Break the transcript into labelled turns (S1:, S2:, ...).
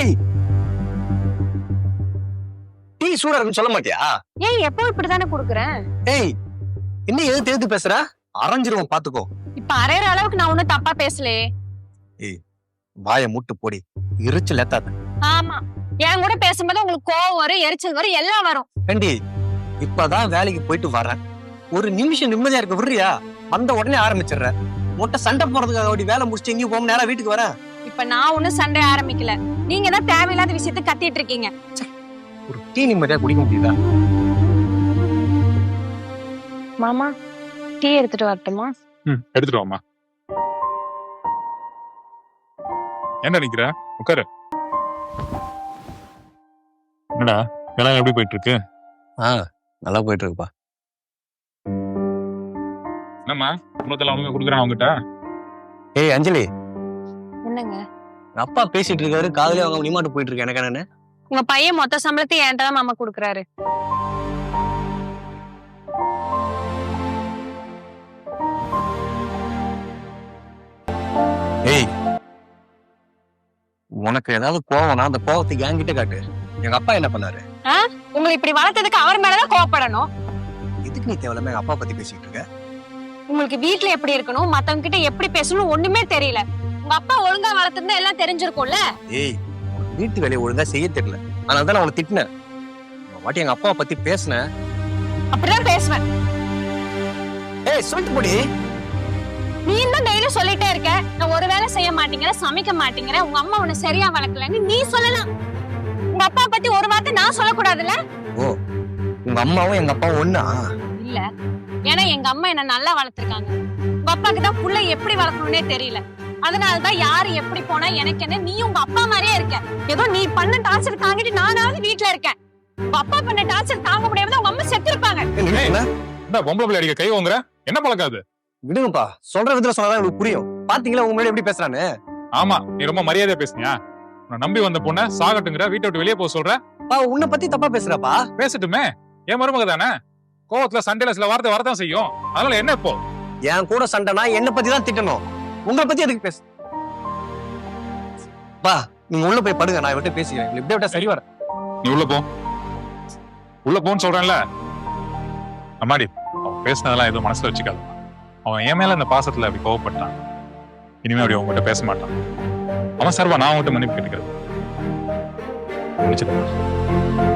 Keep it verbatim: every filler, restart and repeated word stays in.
S1: ஏய் டீ சூடா இருக்குன்னு சொல்ல மாட்டியா?
S2: ஏய் எப்போ இப்படிதானே குடுக்குறேன்.
S1: ஏய் இன்னும் எது தேர்த்து பேசுற? அரைஞ்சிருவோம் பாத்துக்கோ.
S2: இப்ப அரையற அளவுக்கு நான் ஒண்ணும் தப்பா பேசலையே.
S1: ஏய் வாயை மூட்டு போடி, எரிச்சல் ஏத்தாத.
S2: ஆமா, என் கூட பேசும்போது உங்களுக்கு கோவம் வரும், எரிச்சல் வரும், எல்லாம் வரும்.
S1: ஏண்டி இப்பதான் வேலைக்கு போயிட்டு வரேன், ஒரு நிமிஷம் நிம்மதியா இருக்க விடுறியா? வந்த உடனே ஆரம்பிச்சிடுற. மொட்டை சண்டை போறதுக்காக அப்படி வேலை முடிச்சுட்டு எங்கேயும் போக நேரம் வீட்டுக்கு வரேன்.
S2: இப்ப நான் ஒண்ணும் சண்டை ஆரம்பிக்கல, நீங்க தான் தேவையில்லாத விஷயத்த கத்திட்டு இருக்கீங்க.
S1: ஒரு டீ நிம்மதியா குடிக்க முடியுதா?
S2: மாமா டீ எடுத்துட்டு வரட்டுமா?
S3: ம் எடுத்துட்டு வாமா. என்ன நிக்கிற? உட்காரு. என்னடா வேலை எப்படி போயிட்டு இருக்கு?
S1: ஆ நல்லா போயிட்டு இருக்குப்பா.
S3: என்னம்மா குடும்பத்துல அவங்க குடுக்குறான் அவங்ககிட்ட?
S1: ஏய் அஞ்சலி,
S2: என்னங்க
S1: அப்பா பேசிட்டு இருக்காரு, காதுலயே அவங்க நிமாட்டு போயிட்டு இருக்கு. எனக்கு என்னன்னு
S2: உங்க பையன் மொத்த சம்பளத்தையும் என்கிட்ட தான் மாமா குடுக்குறாரு.
S1: ஏய் உனக்கு ஏதாவது கோவம்னா அந்த கோவத்துக்கு என்கிட்ட காட்டு. எங்க அப்பா என்ன பண்ணாரு?
S2: உங்களை இப்படி வளர்த்ததுக்கு அவர் மேலதான் கோவப்படணும்.
S1: எதுக்கு நீ தேவையில்லாம எங்க அப்பா பத்தி பேசிட்டு இருக்க?
S2: உங்களுக்கு வீட்டுல எப்படி இருக்கணும், மத்தவங்க கிட்ட எப்படி பேசணும் ஒண்ணுமே தெரியல. உங்க அப்பா ஒழுங்கா வளர்த்திருந்தா எல்லாம் தெரிஞ்சிருக்கும்ல.
S1: ஏய் வீட்டு வேலையை ஒழுங்கா செய்ய தெரியல, அதனாலதான் நான் அவளை திட்டினேன். வாட்டி எங்க அப்பாவை பத்தி பேசினேன்.
S2: அப்படிதான் பேசுவேன்.
S1: ஏய் சொல்லிட்டு போடி.
S2: நீ தான் டெய்லி சொல்லிட்டே இருக்க, நான் ஒரு வேலை செய்ய மாட்டேங்கிற, சமைக்க மாட்டேங்கிற, உங்க அம்மா உன்னை சரியா வளர்க்கலன்னு நீ சொல்லலாம். உங்க அப்பா பத்தி ஒரு வார்த்தை நான் சொல்லக்கூடாதுல்ல?
S1: ஓ உங்க அம்மாவும் எங்க அப்பாவும் ஒண்ணா?
S2: இல்ல, ஏன்னா எங்க அம்மா என்ன நல்லா வளர்த்திருக்காங்க. உங்க அப்பாக்கு தான் புள்ள எப்படி வளர்க்கணும்னே தெரியல. அதனாலதான் யாரு எப்படி போனா எனக்கு என்ன, நீ உங்க அப்பா மாதிரியே இருக்க. ஏதோ நீ பண்ண டார்ச்சர் தாங்கிட்டு நானாவது வீட்டுல இருக்கேன். உங்க அப்பா பண்ண டார்ச்சர் தாங்க முடியாம உங்க அம்மா செத்து இருப்பாங்க.
S3: என்ன பொம்பளை பிள்ளை அடிக்க கை வாங்குற? என்ன பழக்காது?
S1: விடுங்கப்பா, சொல்ற விதத்துல சொன்னாதான் உங்களுக்கு புரியும். பாத்தீங்களா உங்க மேல எப்படி பேசுறான்னு?
S3: ஆமா, நீ ரொம்ப மரியாதையா பேசுனியா? உன்னை நம்பி வந்த பொண்ண சாகட்டுங்கிற, வீட்டை விட்டு வெளியே போக சொல்ற.
S1: உன்னை பத்தி தப்பா பேசுறப்பா.
S3: பேசட்டுமே, என் மருமக தானே. கோவத்துல சண்டையில சில வார்த்தை வரதான் செய்யும். அதனால என்ன இப்போ?
S1: என் கூட சண்டைனா என்ன பத்தி தான் திட்டணும், உங்களை பத்தி எதுக்கு பேசு? பா நீங்க உள்ள போய் படுங்க, நான் விட்டு பேசிக்கிறேன். இப்படி விட்டா சரி வர.
S3: நீ உள்ள போ, உள்ள போன்னு சொல்றேன்ல. அம்மாடி, அவன் பேசினதெல்லாம் எதுவும் மனசுல வச்சுக்காது. அவன் என் மேல இந்த பாசத்துல அப்படி கோவப்பட்டான். இனிமே அப்படி அவங்ககிட்ட பேச மாட்டான். அவன் சார்பா நான் அவங்ககிட்ட மன்னிப்பு கேட்டுக்கிறேன்.